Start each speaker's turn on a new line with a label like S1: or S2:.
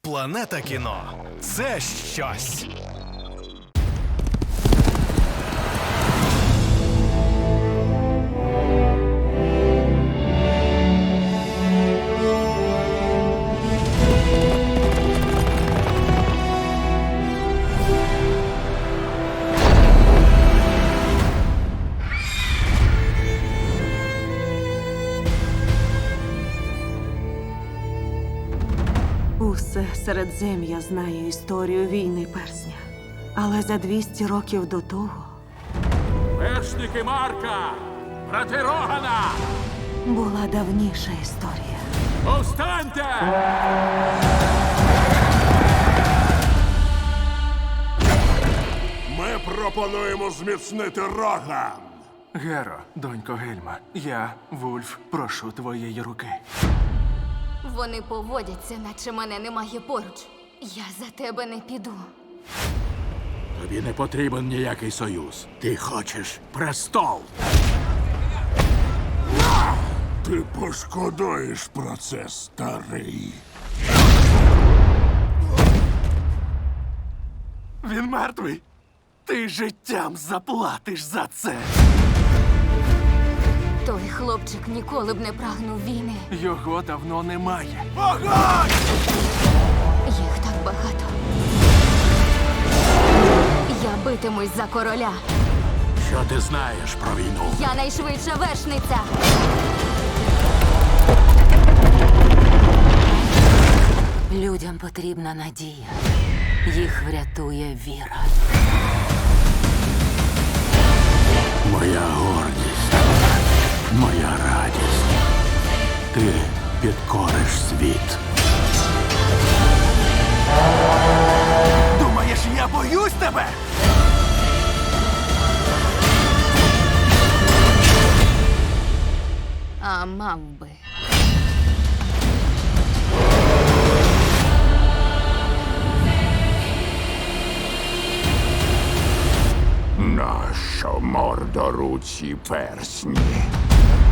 S1: Планета кіно – це щось.
S2: Усе Середзем'я знає історію війни Персня. Але за 200 років до того
S3: Вершники Марка! Брати Рогана!
S2: була давніша історія.
S3: Повстаньте!
S4: Ми пропонуємо зміцнити Роган.
S5: Геро, донько Гельма, я, Вульф, прошу твоєї руки.
S6: Вони поводяться, наче мене немає поруч. Я за тебе не піду.
S3: Тобі не потрібен ніякий союз. Ти хочеш престол.
S4: Ти пошкодуєш про це, старий.
S5: Він мертвий. Ти життям заплатиш за це.
S6: Той хлопчик ніколи б не прагнув війни.
S5: Його давно немає.
S6: Їх так багато. Я битимусь за короля.
S3: Що ти знаєш про війну?
S6: Я найшвидша вершниця.
S2: Людям потрібна надія. Їх врятує віра.
S3: Моя гордість, моя радість. Ти підкориш світ.
S5: Думаєш, я боюсь тебе?
S6: А мав би.
S4: Нащо мордоруці персні?